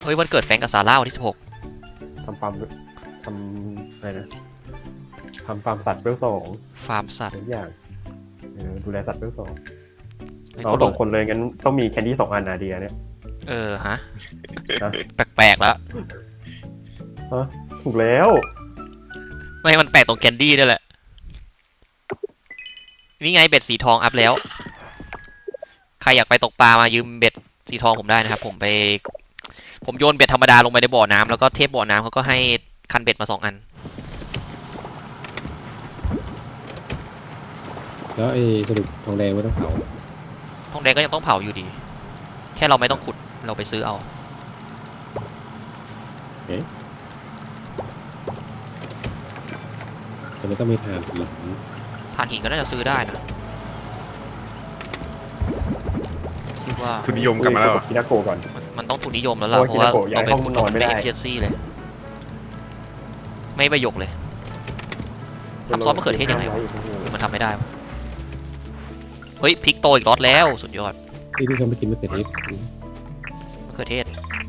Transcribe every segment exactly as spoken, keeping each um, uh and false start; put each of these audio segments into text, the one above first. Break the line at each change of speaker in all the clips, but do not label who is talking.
เฮ้ยวันเกิดแฟรงก์กับซาร่าวันที่สิบหก
ทำฟาร์มทำอะไรนะทำฟาร์มสัตว์เวลสอง
ฟาร์มสัตว์
ทุกอย่างเออดูแลสัตว์เวลสอง
เฮ้ย
เราสองคนเลยงั้นต้องมีแคนดี้สองอันนาเดียเนี่ย
เออฮะ
นะ
แปลกๆแล้ว
ฮะถูกแล้ว
ไม่มันแปลกตรงแคนดี้ด้วยแหละนี่ไงเบ็ดสีทองอัพแล้วใครอยากไปตกปลามายืมเบ็ดสีทองผมได้นะครับผมไปผมโยนเบ็ดธรรมดาลงไปในบ่อน้ำแล้วก็เทพบ่อน้ำเขาก็ให้คันเบ็ดมาสองอัน
แล้วไอ้สรุปทองแดงไม่ต้องเผา
ทองแดงก็ยังต้องเผาอยู่ดีแค่เราไม่ต้องขุดเราไปซื้อเอา
แต่ไม่ต้องมีฐานหิน
ถ่านหินก็น่าจะซื้อได้นะคิดว่า
ทุนนิยมกลับมาแล้วเหรอ
คินาโกะก่อน
มันมันต้องทุนนิยมแล้วล่ะ
โอ้ย
เพราะว่า
คินาโกะย้าย
เราไป
ห้อง
ขุด
นอนไม่ได้
เอฟเฟชซี่เลย ไม่ประโยคเลย ทำซอสมะเขือเทศยังไงวะ มันทำไม่ได้วะเฮ้ยพริกโตอีกรอดแล้วสุดยอด
ที่ที่เขาไม่กินมะเขือเทศ
มะเขือเทศ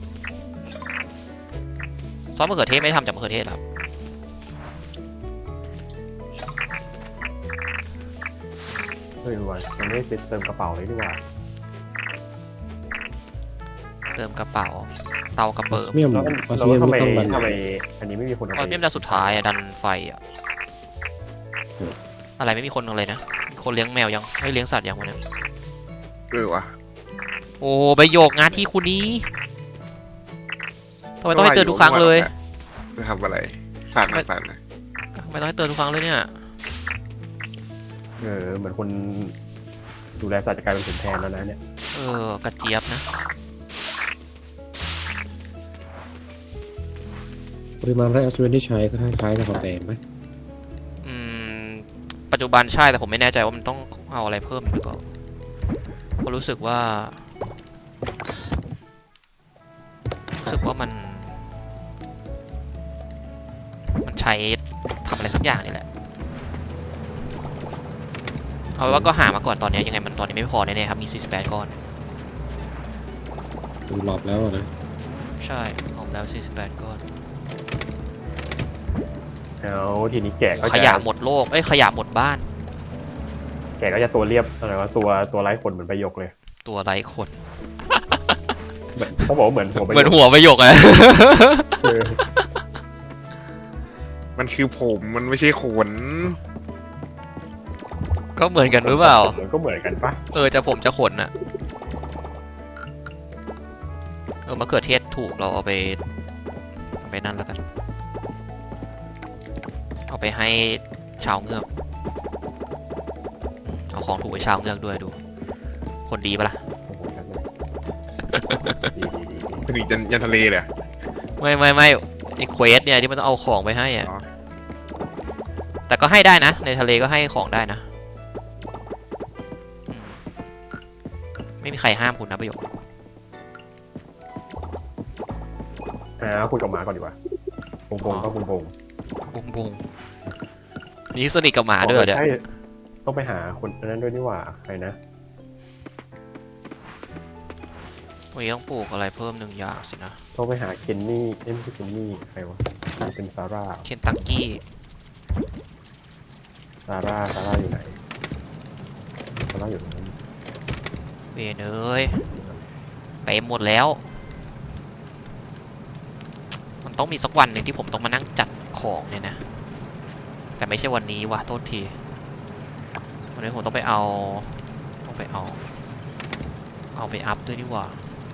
ซอสมะเขือเทศไม่ได้ทำจากมะเขือเทศหรอครับ
เฮ้ยวันมันไม่ได้เติมกระเป๋าเลยดีกว่า
เติมกระเป๋าเตากระ
ออ
เปิ
ส
ม
เมียม
แล้ว
ออส
เรา
เมียม
ทำไม
ไม่ต้องบัน
ทำไมอันนี้ไม่มีคนเอา
ตอน
ไป
นี้มันสุดท้ายอะดันไฟอะอะไรไม่มีคนอะไรนะมีคนเลี้ยงแมวยังไม่เลี้ยงสัตว์ยังวะเนี่ย
เออวะ
โอ้ใบโยกงานที่คุณนี้ทำไมต้องให้เตือนทุกครั้งเลย
จะทำอะไรผ่านนะผ่านนะ
ทำไมต้องให้เตือนทุกครั้งเลยเนี่ย
เออเหมือนคนดูแลสัตว์จะกลายเป็นขุนแทนแล้วนะเนี่ย
เออกระเจี๊ยบนะ
ปริมาณแร่ออสเมียมที่ใช้ก็คล้ายๆกับทองแดงไหม
อืมปัจจุบันใช่แต่ผมไม่แน่ใจว่ามันต้องเอาอะไรเพิ่มหรือเปล่าเพราะรู้สึกว่ารู้สึกว่ามัน มันใช้ทำอะไรสักอย่างนี่แหละเอาไว้ว่าก็หามาก่อนตอนนี้ยังไงมันตอนนี้ไม่พอแน่ๆครับมีสี่สิบแปดก้อน
ดูรอบแล้วอะนะ
ใช่ออกแล้วสี่สิบแปดก้อน
แล้วทีนี้แกะก็
ข
จะ
ยะหมดโลกเอ้ยขยะหมดบ้าน
แกะก็จะตัวเรียบอะไรวะตัวตัวไร้ขนเหมือนประโยคเลย
ตัวไร้ขน
เหมือนเขาบอกว่าเหมือนหัวประ
เหมือน
โยค
หัวประโยคอะ
เออ
มันคือผมมันไม่ใช่ขน
ก็เหมือนกันหรือเปล่า
มันก็เหมือนกันปะ
เออจะผมจะขนอะเออมะเขือเทศถูกเราเอาไปเอาไปนั่นแล้วกัน เอาไปให้ชาวเงือกอืมเอาของถูกไปชาวเงือกด้วยดู คนดีปะล่ะ
โอ้โหกันเลยดีดีดีดี
สนิทยันยันทะเลเลยอะ
ไม่ไม่ไม่ไอ้เควสเนี่ยที่มันต้องเอาของไปให้อะ
อ๋อ
แต่ก็ให้ได้นะ ในทะเลก็ให้ของได้นะอืมไม่มีใครห้ามคุณนะประโยค
อ่าคุยกับหมาก่อนดีกว่าปงปงก็ปงปง
บุงบุงนี่สนิทกับหมาด้วยเหรอเนี่ย
ใช่ต้องไปหาคนนั้นด้วยนี่หว่าใครนะ
วันนี้ต้องปลูกอะไรเพิ่มหนึ่งอย่างสินะ
ต้องไปหาเคนนี่เอ้ยไม่ใช่เคนนี่ใครวะเป็นซาร่า
เคนตักกี้
ซาร่าซาร่าอยู่ไหนซาร่าอยู่ตรงนั้น
เวยเนยเต็มหมดแล้ว มันต้องมีสักวันหนึ่งที่ผมต้องมานั่งจัดของเนี่ยนะ แต่ไม่ใช่วันนี้วะโทษที วันนี้ผมต้องไปเอา ต้องไปเอา เอาไปอัพด้วยนี่หว่า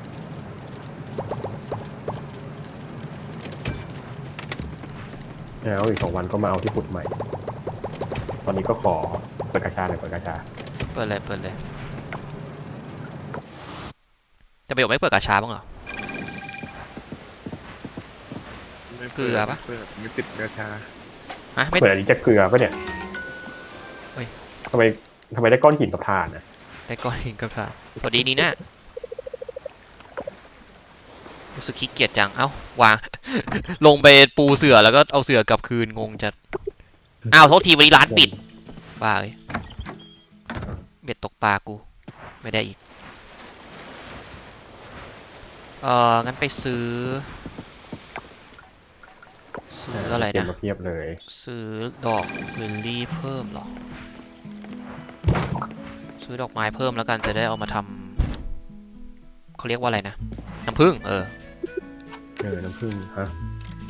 แล้วอีกสองวันก็มาเอาที่ขุดใหม่ ตอนนี้ก็ขอเปิดกาชาหน่อยเปิดกาชา
เปิดเลยเปิดเลยจะประโยชน์ไม่เปิดกระชาบ้างเหรอ
ไม่
เกลือปะ
เปิดไม่ติดกระชา
ฮะไม่
เปิดอันนี้จะเกลือปะเนี่ย
เฮ้ย
ทำไมทำไมได้ก้อนหินกับถ่านนะ
ได้ก้อนหินกับถ่านสวัสดีนี่นะรู้สึกขี้เกียจจัง เอ้าวาง ลงไปปูเสือแล้วก็เอาเสือกลับคืนงงจัด อ้าวโทษทีวันนี้ร้านปิด บ้าเลยเบ็ดตกปลากู ไม่ได้อีกเอองั้นไปซื้อซื้ออะไร
เก็บ
นะ
มาเพียบเลย
ซื้อดอกลิลลี่เพิ่มเหรอ ซื้อดอกไม้เพิ่มแล้วกันจะได้เอามาทำเขาเรียกว่าอะไรนะ น้ำผึ้งเออ
เออน้ำผึ้งฮะ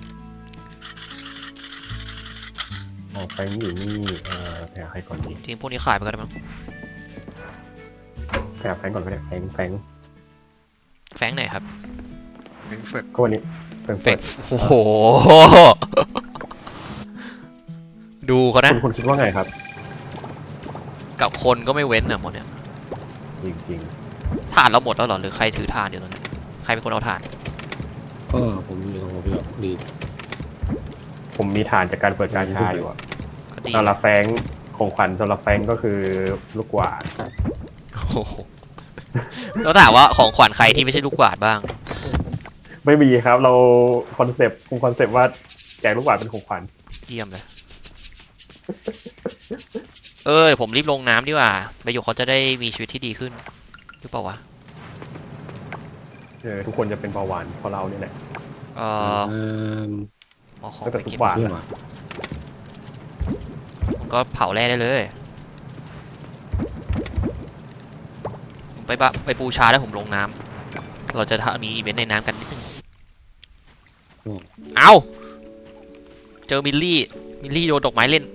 ออกไปนี่อยู่นี่เอ่อแผ่ใครก่อนดี
จริงพวกนี้ขายไปก็ได้มั้ง
แผ่แฟงก่อนก็ได้แฟงแฟง
แฟงไหนครับ
แฟรงก์เฟิร์ต
ก็วันนี้เป็น
แฟ
เฟิ
ง
ร์
โอ้โห ดูเขานะ
คุณคุณคิดว่าไงครับ
กับคนก็ไม่เว้นอะหมดเนี่ย
จริงจริง
ถ่านเราหมดแล้วเหรอหรือใครถือถ่านอยู่ตรงนั้นใครเป็นคนเอาถ่าน
ก็ผมอยู่ตรงผมอยู่ดี
ๆผมมีฐานจากการเปิดการชาอยู่อะ
ก็ดี
สำหรับแฟงของขวัญสำหรับแฟงก็คือลูกกวาด
โอ้โหแล้วถามว่าของขวัญใครที่ไม่ใช่ลูกกวาดบ้าง
ไม่มีครับเราคอนเซปต์คงคอนเซปต์ว่าแจกลูกกวาดเป็นของขวัญ
เยี่ยมเลย เออผมรีบลงน้ำดีกว่าประโยคเขาจะได้มีชีวิตที่ดีขึ้นหรือเปล่าวะ
เออทุกคนจะเป็นเบาหวานเพราะเราเนี่ยแหละ
เอ
ๆ
อ
อ่า
เอาของ
ตั้งแต่
ไป
ทุก
เก็บ
บาท
เชื่อว่ะ
ผมก็เผาแร่ได้เลยผมไปบะไปปูชาแล้วผมลงน้ำเราจะทำมีอีเวนต์ในน้ำกันนิดนึงเอาเจอมิลลี่มิลลี่โยนดอกไม้เล่น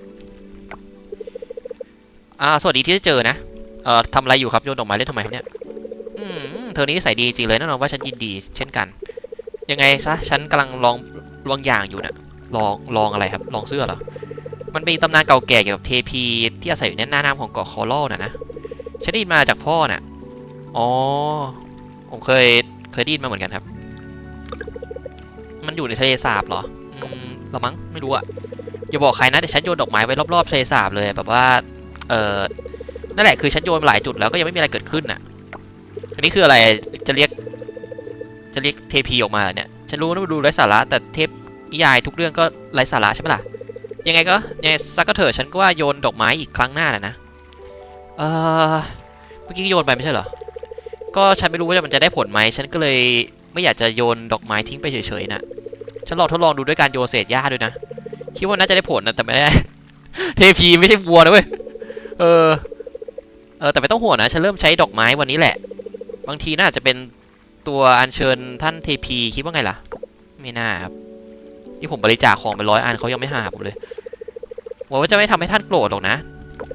อ่าสวัสดีที่ได้เจอนะเอ่อทำอะไรอยู่ครับโยนดอกไม้เล่นทำไมครับเนี่ยอืมเธอนี้นิสัยดีจริงเลยแน่นอนว่าฉันยินดีเช่นกันยังไงซะฉันกำลังลองลองอย่างอยู่นะลองลองอะไรครับลองเสื้อเหรอมันเป็นตำนานเก่าแก่เกี่ยวกับเทพีที่อาศัยอยู่ในหน้าน้ำของเกาะคอรัลน่ะนะฉันได้ยินมาจากพ่อน่ะอ๋อผมเคยเคยได้ยินมาเหมือนกันครับมันอยู่ในทะเลสาบเหรออืมละมั้งไม่รู้อะอย่าบอกใครนะแต่ฉันโยนดอกไม้ไว้รอบๆทะเลสาบเลยแบบว่าเออนั่นแหละคือฉันโยนมาหลายจุดแล้วก็ยังไม่มีอะไรเกิดขึ้นน่ะอันนี้คืออะไรจะเรียกจะเรียกเทพีออกมาเหรอเนี่ยฉันรู้นะว่าดูไร้สาระแต่เทพนิยายทุกเรื่องก็ไร้สาระใช่ไหมล่ะยังไงก็ยังไงสักก็เถอะฉันก็ว่าโยนดอกไม้อีกครั้งหน้าน่ะนะเออเมื่อกี้โยนไปไม่ใช่เหรอก็ฉันไม่รู้ว่ามันจะได้ผลไหมฉันก็เลยไม่อยากจะโยนดอกไม้ทิ้งไปเฉยๆน่ะฉันลองทดลองดูด้วยการโยนเศษหญ้าด้วยนะคิดว่าน่าจะได้ผลนะแต่ไม่ได้ เทพีไม่ใช่วัวนะเว้ยเออเออแต่ไม่ต้องห่วงนะฉันเริ่มใช้ดอกไม้วันนี้แหละบางทีน่าจะเป็นตัวอัญเชิญท่านเทพีคิดว่าไงล่ะไม่น่าครับที่ผมบริจาคของไปร้อยอันเขายังไม่หาผมเลยหวังว่าจะไม่ทำให้ท่านโกรธหรอกนะ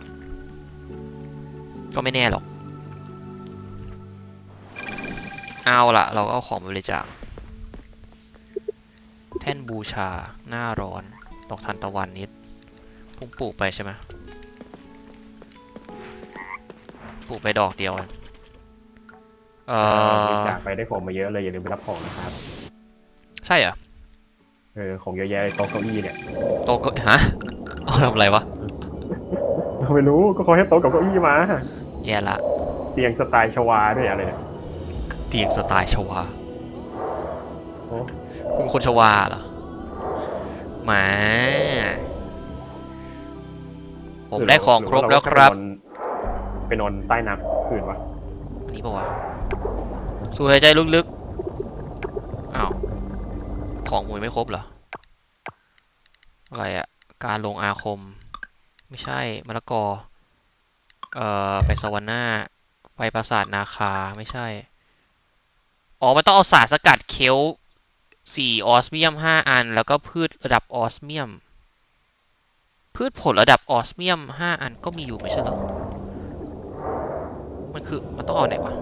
ก็ไม่แน่หรอกเอาล่ะเราก็เอาของไปบริจาคแท่นบูชาหน้าร้อนดอกทานตะวันนิดพุ่งปลูกไปใช่ไหมปลูกไปดอกเดียวเองเอ
บริ
อ
จาคไปได้ของมาเยอะเลยอย่าลืมไปรับของนะครับ
ใช่เหรอ
เออของเยอะแยะโต๊ะเก้าอี้เนี่ย
โตะก็ฮะเอาทำอะไรวะ
เราไม่รู้ก็เขาให้โต๊ะกับเก้าอี้มา
แย่ละ
เตียงสไตล์ชวาด้วยอะไรเนี่ย
เตียงสไตล์ชวา
โอ้
คุณเป็นคนชวาเหรอหมาผมได้ของครบแล้วครับ
ไปนอนใต้น้ำคืนวะ
อันนี้ปะวะสูดหายใจลึกๆอ้าวของมวยไม่ครบเหรออะไรอะการลงอาคมไม่ใช่มะละกอเอ่อไปสวรรค์หน้าไปปราสาทนาคาไม่ใช่อ๋อมันต้องเอาสารสกัดเคลสี่ออสเมียมห้าอันแล้วก็พืชระดับออสเมียมพืชผลระดับออสเมียมห้าอันก็มีอยู่ไม่ใช่เหรอมันคือมันต้องเอาไหนวะ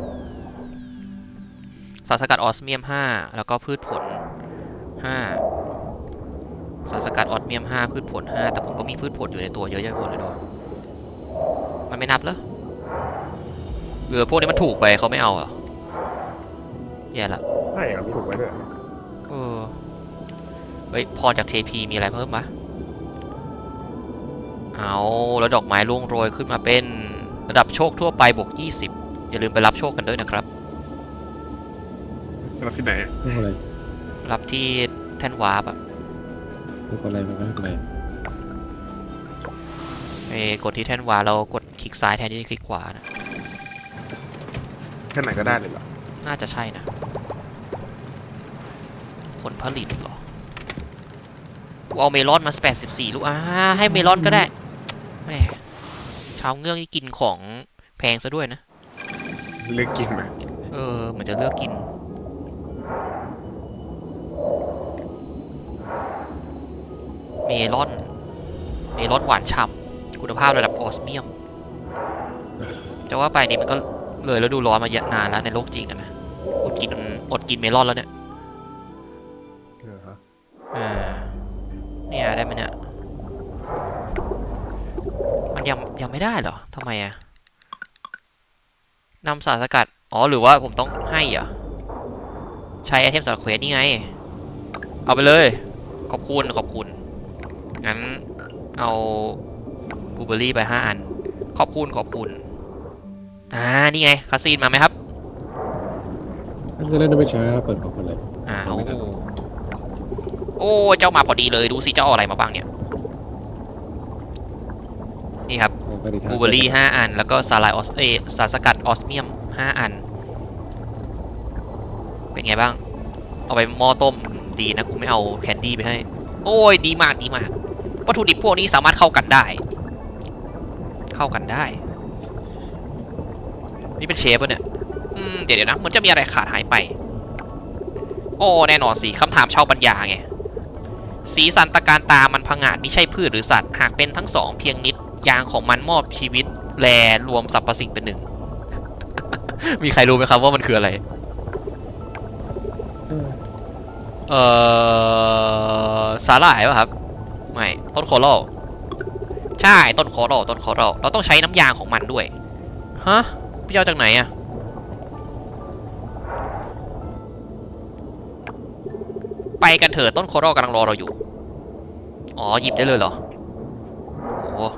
สารสกัดออสเมียมห้าแล้วก็พืชผลห้าสารสกัดออสเมียมห้าพืชผลห้าแต่ผมก็มีพืชผลอยู่ในตัวเยอะแยะไปหมดเลยด้วยมันไม่นับเหรอหรือพวกนี้มันถูกไปเขาไม่เอาเหรอแย่ละ
ใช่ครับมีถูกไว้ด้วย
เออเฮ้ยพอจากเทพีมีอะไรเพิ่มปะเอาแล้วดอกไม้ร่วงโรยขึ้นมาเป็นระดับโชคทั่วไปบวกยี่สิบอย่าลืมไปรับโชคกันด้วยนะครับ
แล้วที่ไหนอะ
พวกอะไร
รับที่แท่นวาร์ปอะ
พวกอะไรมันก็ทำไม
ไปกดที่แท่นวาร์ปเรากดคลิกซ้ายแทนที่จะคลิกขวานะ
แค่ไหนก็ได้เลยเหรอ
น่าจะใช่นะลผลิตเหรอกูเอาเมลอนมาแปดสิบสี่ลูกอ่าให้เมลอนก็ได้แหมชาวเงือกนี่กินของแพงซะด้วยนะ
เลือกกินไหม
เออเหมือนจะเลือกกินเมลอนเมลอนหวานฉ่ำคุณภาพระดับออสเมียมจะว่าไปนี่มันก็เลยแล้วดูร้อนมาเยอะนานแล้วในโลกจริงอะนะอดกินอดกินเมลอนแล้วเนี่ย
เออฮะ
อ่าเนี่ยได้ไหมเนี่ยมันยังยังไม่ได้เหรอทำไมอะนำสารสกัดอ๋อหรือว่าผมต้องให้เหรอใช้ไอเทมสำหรับเควสนี่ไงเอาไปเลยขอบคุณขอบคุณงั้นเอาบลูเบอร์รี่ไปห้าอันขอบคุณขอบคุณอ่านี่ไงคาซีนมาไหมครับ
ถ้าจะเล่นไม่ช้าเปิดของกันเลย
อ่า
เอาไม่ทัน
โอ้เจ้ามาพอดีเลยดูสิเจ้าเอาอะไรมาบ้างเนี่ยนี่ครับ
เอาปฏิทิน
บลูเบอร์รี่ห้าอันแล้วก็สาลายออสเอยสารสกัดออสเมียมห้าอันเป็นไงบ้างเอาไปหม้อต้มดีนะกูไม่เอาแคนดี้ไปให้โอ้ยดีมากดีมากวัตถุดิบพวกนี้สามารถเข้ากันได้ เข้ากันได้นี่เป็นเชฟป่ะเนี่ยอืมเดี๋ยวเดี๋ยวนะมันจะมีอะไรขาดหายไปโอ้แน่นอนสิคำถามชาวปัญญาไงสีสันตะการตามันผงาดไม่ใช่พืชหรือสัตว์หากเป็นทั้งสองเพียงนิดยางของมันมอบชีวิตแลรวมสรรพสิ่งเป็นหนึ่ง มีใครรู้ไหมครับว่ามันคืออะไร
เออ
เอ่อสาหร่ายป่ะครับไม่ต้นโคโรใช่ต้นโคโรต้นโคโรเราต้องใช้น้ำยางของมันด้วยฮะพี่เอาจากไหนอะไปกันเถอะต้นโคโรกำลังรอเราอยู่อ๋อหยิบได้เลยเหรอโอ้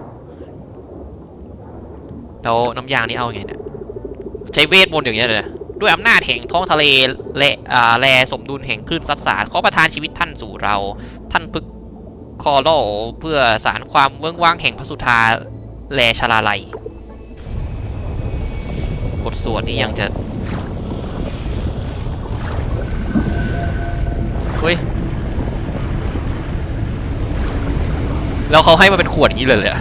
แล้วน้ำยางนี่เอาไงเนี่ยใช้เวทมนต์อย่างเงี้ยเลยด้วยอำนาจแห่งท้องทะเลและอ่าแลสมดุลแห่งคลื่นซัดสารขอประทานชีวิตท่านสู่เราท่านพึกคอโลเพื่อสารความเวิ้งว้างแห่งพระสุธาแลชลาลัยบทสวดนี่ยังจะเฮ้ยแล้วเขาให้มาเป็นขวดอย่างนี้เลยเลยอะ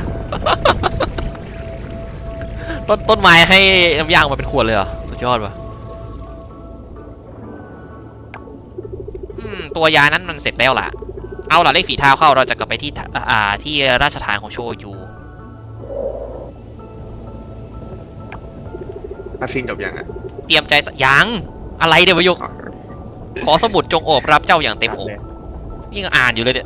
ต้นต้นไม้ให้น้ำยางมาเป็นขวดเลยเหรอสุดยอดว่ะอืมตัวยานั้นมันเสร็จแล้วล่ะเอาล่ะเลขฝีเท้าเข้าเราจะกลับไปที่อ่าที่ราชฐานของโชยู
อาซินจบยังอ่ะ
เตรียมใจสยังอะไรเดี๋ยววะยก
อ๋อ
ขอสมุดจงโอบรับเจ้าอย่างเต็มอก
เลย
นี่ก็อ่านอยู่เลยเนี่ย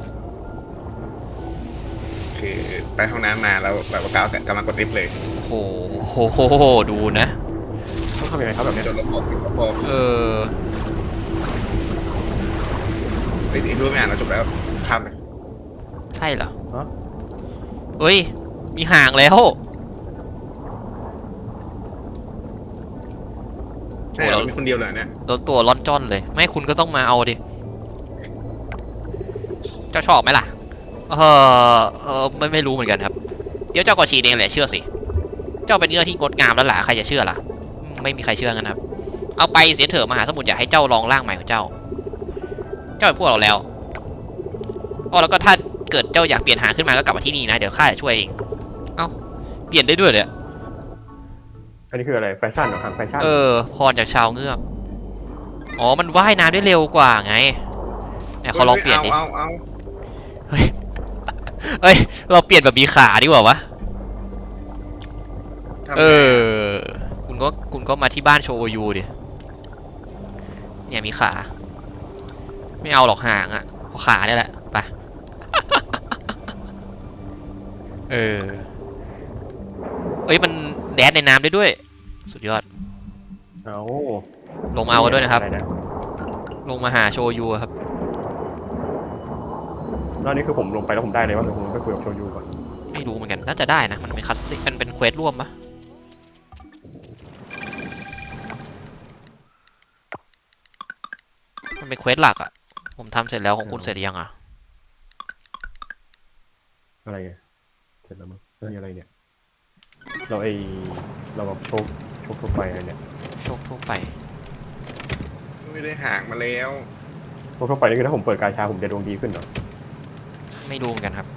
คือไปห้องน้ำมาแล้วแบบว่ากาวกำลังกดลิฟต์เลย
โอ้โหโหโหดูนะ
ต้องทำยังไงครับแบบเนี้ย
โดนลบออกลบออก
เออ
ไอ้ยรู้ไหมอ่านเราจบแล้วข้ามเลย
ใช่เหรอ
ฮะ
เฮ้ย มีห่างแล้ว
ใช่เหรอเรามีคนเดียวเลยเนี่ย
โดนตัวร้อนจ้อนเลย ไม่คุณก็ต้องมาเอาดิ เจ้าชอบไหมล่ะ เออเออไม่ไม่รู้เหมือนกันครับ เดี๋ยวเจ้าก็ชีเองแหละเชื่อสิ เจ้าเป็นเนื้อที่งดงามแล้วล่ะใครจะเชื่อล่ะ ไม่มีใครเชื่อกันครับ เอาไปเสียเถอะมหาสมุทรอยากให้เจ้าลองร่างใหม่ของเจ้า เจ้าเป็นพวกเราแล้วอ๋อแล้วก็ถ้าเกิดเจ้าอยากเปลี่ยนหางขึ้นมาก็กลับมาที่นี่นะเดี๋ยวข้าจะช่วยเอง เอ้าเปลี่ยนได้ด้วยเลย
อันนี้คืออะไรแฟชั่นเหรอครับแฟชั่น
เออพรจากชาวเงือก อ๋อมันว่ายน้ำได้เร็วกว่าไงเนี่ยเขาลองเปลี่ยนดิ
เอาเอา
เฮ้ย เฮ้ย เราเปลี่ยนแบบมีขาดีกว่าวะ
ทำไง
เออ คุณก็คุณก็มาที่บ้านโชยูดิ เนี่ยมีขา ไม่เอาหรอกหางอ่ะเอาขาเนี่ยแหละ ไป เออ เอ้ยมันแดดในน้ำได้ด้วย สุดยอด
เอา
ลงมาเอากันด้วยนะครับ
อไนะ
ลงมาหาโชยูอะครับ
แล้วนี่คือผมลงไปแล้วผมได้เลยว่าเดี๋ยวผมไปคุยกับโชยูก่อน
ไม่รู้เหมือนกัน น่าจะได้นะ มันเป็นคัสซีมันเป็นเควสร่วมปะมันเป็นเควสหลักอะผมทำเสร็จแล้วของคุณเสร็จหรือยังอะ
อะไรไงเสร็จแล้วมั้งนี่อะไรเนี่ย เราไอเราแบบโชคโชคทั่วไปอะไรเนี่ย
โชคทั่วไป
ไม่ได้ห่างมาแล้ว
ทั่วไปนี่คือถ้าผมเปิดกาชาผมจะดวงดีขึ้นเหรอ
ไม่รู้เหมือนกันครับ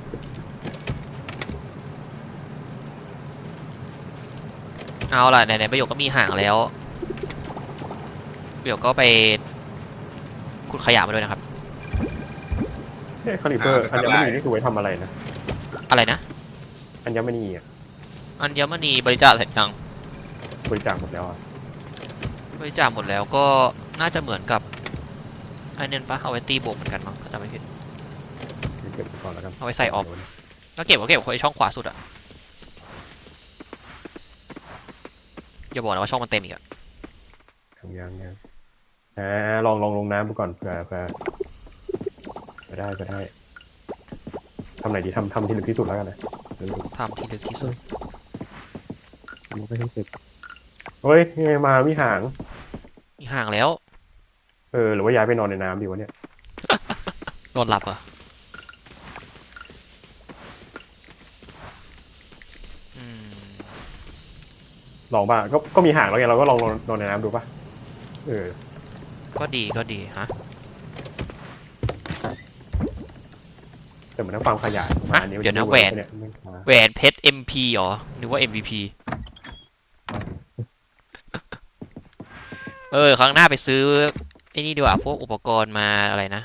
เอาล่ะไหนๆประโยคก็มีห่างแล้วประโยคก็ไปขุดขยะมาด้วยนะครับ
เฮ้ยคาลิเปอร์อัญมณีนี่คือไว้ทำอะไรนะ
อะไรนะ
อัญมณีอ่ะ
อัญมณีบริจาคเสร็จยัง
บริจาคหมดแล้วอ่ะ
บริจาคหมดแล้วก็น่าจะเหมือนกับไอ้นี่ปะเอาไว้ตีบวกเหมือนกันมั้งถ้าจำไม่ผิด
เก็บไว้ก่อนแล้วกัน
เอาไว้ใส่ออฟ แล้วเก็บก็เก็บไว้ช่องขวาสุดอะอย่าบอกนะว่าช่องมันเต็มอีกอะ
ยังยังยังอ่าลองลองลงน้ำดูก่อนเผื่อเผื่อจะได้จะได้ทำไหนดีทำทำที่ลึกที่สุดแล้วกันนะ
ทำที่ลึกที่สุด
มันก็ให้เสร็จ
เฮ้ยยังไงมามีหาง
มีห่างแล้ว
เออหรือว่าย้ายไปนอนในน้ำดีวะเนี่ย
นอนหลับเหรออืม
ลองป่ะก็ก็มีหางแล้วไงเราก็ลองนอนนอนในน้ำดูป่ะเออ
ก็ดีก็ดีฮะ
แต่เหมือนทั้งความขยายมาอันนี้มั
เดี๋ยวนะ
จ
แหวน
เยไม่ช้า
แหวนเพชร เอ็ม พี เหรอนึกว่า เอ็ม วี พี เออ ครั้งหน้าไปซื้อไอ้นี่ดีกว่าพวกอุปกรณ์มาอะไรนะ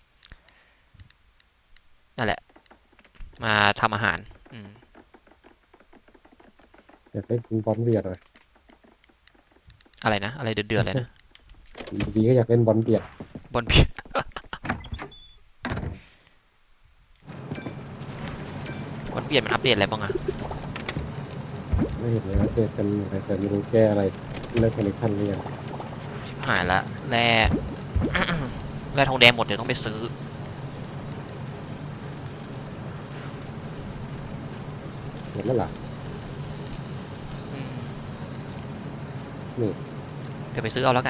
นั่นแหละ มาทำอาหาร อืม
อยากเล่นบอลเบียดเลย
อะไรนะ อะไรเดือดๆเลยนะ
ดีก็อยากเล่นบอลเบียด
บอลเพีย บอลเปลี่ยนมันอัปเดตอะไรบ้างอะ
ไม่เห็นเลยว่าเกิดกันแต่ไม่รู้แก้อะไรเลิกคอนเนคชั่นหรือยัง
ชิบหายละแร่ แร่ทองแดงหมดเดี๋ยวต้องไปซื้อ
เห็นแล้วล่ะ
อืม
นี่
เดี๋ยวไปซื้อเอาแล้วกัน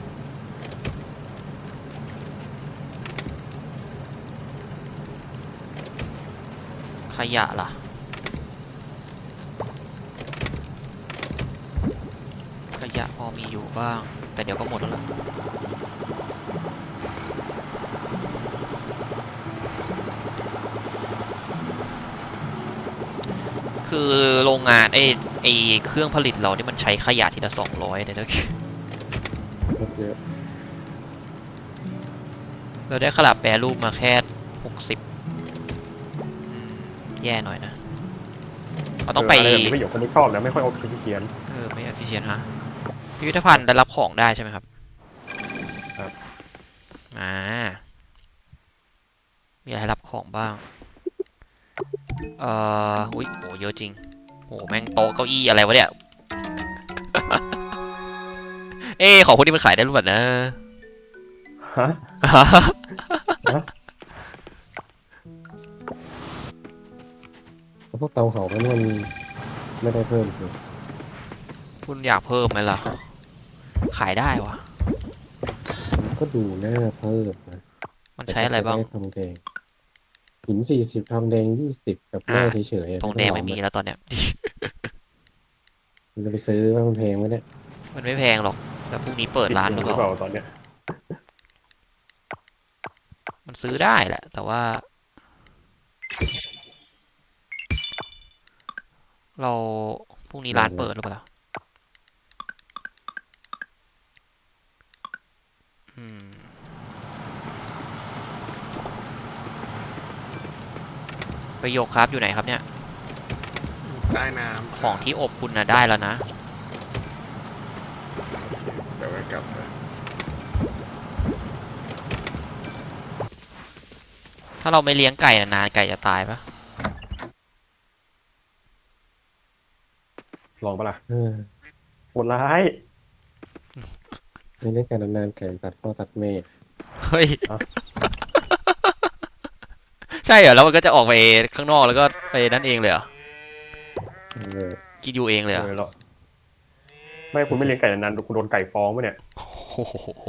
ขยะล่ะ ขยะพอมีอยู่บ้าง แต่เดี๋ยวก็หมดแล้วล่ะ คือโรงงานไอ้ไอ้เครื่องผลิตเรานี่มันใช้ขยะทีละสองร้อยเนี่ยนะ
รถเยอะ
เราได้ขลับแปรรูปมาแค่หกสิบแย่หน่อยนะ เราต้องไป
เอออะไรแบบนี้ไม่อยู่คนที่ชอบนะไม่ค่อยโอเคที่เขียน
เออ ไม่ efficient ฮะ พิพิธภัณฑ์ได้รับของได้ใช่ไหมครับ
ครับ
อ่า มีอะไรให้รับของบ้าง เอ่อ อุ้ยโห เยอะจริง โห แม่งโต๊ะเก้าอี้อะไรวะเนี่ย เอ้ของพวกนี้มันขายได้หรือเปล่านะ
ฮะ
แล้วพวกเตาเผามันมันไม่ได้เพิ่มคือ
คุณอยากเพิ่มไหมล่ะ ขายได้วะ
มันก็ดูน่าเพิ่มนะ
มันใช้อะไรบ้าง
แต่ก็ใช้ด้ทองแดงหินสี่สิบทองแดงยี่สิบกับแร่
อ่า
เฉยๆ
ทองแดงไม่มีแล้วตอนเนี้ย
มันจะไปซื้อว่ามันแพงไหมเนี่ย
มันไม่แพงหรอก แต่พรุ่งนี้เปิดร้านหรือเปล่า
ตอนเนี้ย
มันซื้อได้แหละ แต่ว่า เราพรุ่งนี้ร้านเปิดหรือเปล่า อืม ประโยคครับอยู่ไหนครับเนี่ย
ใต้น้ำ
ของที่อบคุณนะได้แล้วนะ
เดี๋ยวไว้กลับมา
ถ้าเราไม่เลี้ยงไก่นานๆไก่จะตายปะ
ลองปะล่ะ
เออ
โหดร้าย
ไม่เล่นกันนานๆไก่ตัดพ่อตัดแม่
เฮ้ย ใช่เหรอ แล้วมันก็จะออกไปข้างนอกแล้วก็ไปนั่นเองเลยเหรอ
เออ
กินอยู่เองเลยเหรอ
เออหรอไม่คุณไม่เลี้ยงไก่นานๆคุณโดนไก่ฟ้องปะเนี่ย
โอ้โห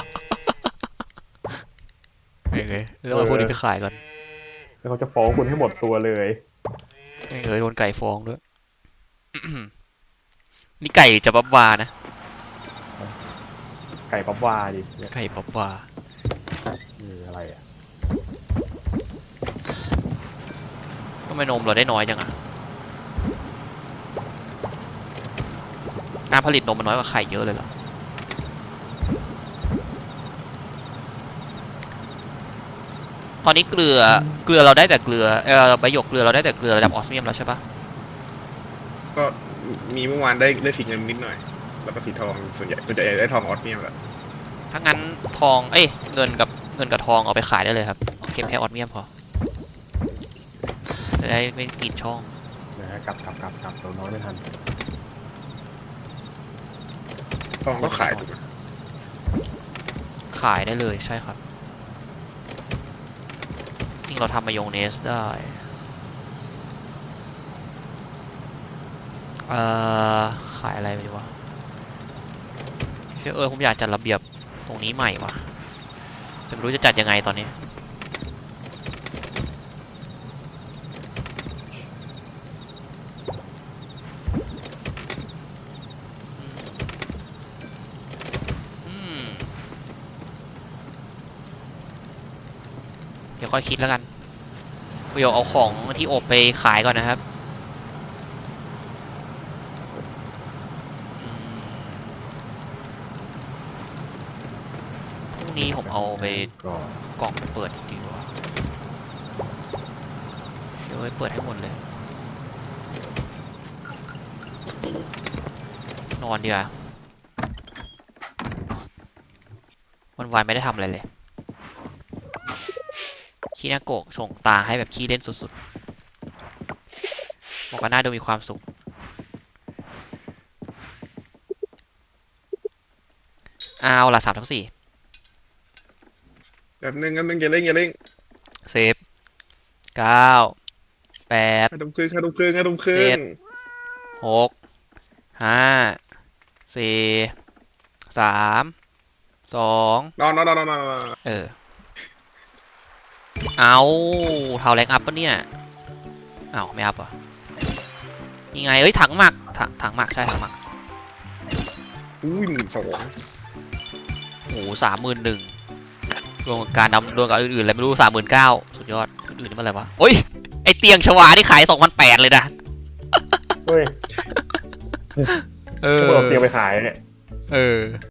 เฮ้ยเฮ้ยเรื่องมาพวกนี้ไปขายก่อน
แล้วเขาจะฟ้องคุณให้หมดตัวเลย
เฮ้ยเฮ้ยโดนไก่ฟ้องด้วย นี่ไก่จะบับวานะ
ไก่ป๊อปวาดิเนี่ย
ไก่บับวา
อคืออะไรอ่ะ
ทำไมนมเราได้น้อยจังอะการผลิตนมมันน้อยกว่าไข่เยอะเลยเหรอ ตอนนี้เกลือ เกลือเราได้แต่เกลือ เออใบหยกเกลือเราได้แต่เกลือระดับออสเมียมแล้วใช่ปะ
ก็มีเมื่อวานได้ได้สีเงินนิดหน่อย แล้วก็สีทองส่วนใหญ่ส่วนใหญ่ได้ทองออสเมียมแหละ
ถ้างั้นทอง เอ้ย เงินกับเงินกับทองเอาไปขายได้เลยครับเอาเก็บแค่ออสเมียมพอ จะได้ไม่กินช่อง
นะฮะกลับกลับกลับกลับเราน้อยไม่ทัน
ทองก็ขายถูกไหม
ขายได้เลยใช่ครับ จริงเราทำมายองเนสได้ เอ่อ ขายอะไรไปดีวะเชื่อเออผมอยากจัดระเบียบตรงนี้ใหม่ว่ะแต่ไม่รู้จะจัดยังไงตอนนี้ อืม เดี๋ยวค่อยคิดแล้วกันเดี๋ยวเอาของที่อบไปขายก่อนนะครับอืมพรุ่งนี้ผมเอาไป
ก็
กล่องเปิดดีกว่าเดี๋ยวไปเปิดให้หมดเลย นอนดีกว่าวันวานไม่ได้ทำอะไรเลย ขี้นาโกะส่งตาให้แบบขี้เล่นสุดๆบอกว่าน่าดูมีความสุข เอาละสามทั้งสี่
แบบนึงกันนึงอย่าเล่งอย่าเล่ง
เซฟเก้าแปด
ห้าทุ่มครึ่งห้าทุ่มครึ่งห้าทุ่มครึ่
เจ็
ง
ด หกห้าสี่สามสอง
นอนนอนนอนนอนนอน
เออ เอาเท่าแรงอัพปะเนี่ยเอาไม่อัพเหรอ่ะยังไงเอ้ยถังหมักถังถังหมักใช่ถังหมัก
อุ้ยหมื่นสอง
โอ้โหสามหมื่นหนึ่งรวมกับการนำรวมกับอื่นๆอะไรไม่รู้สามหมื่นเก้าสุดยอดอื่นๆนี่มันอะไรวะโอ้ยไอเตียงชวาที่ขายสองพันแปดเลยนะ
เฮ้ย
เอ
พวกเราเตรียมไปขายเนี่ย
เออ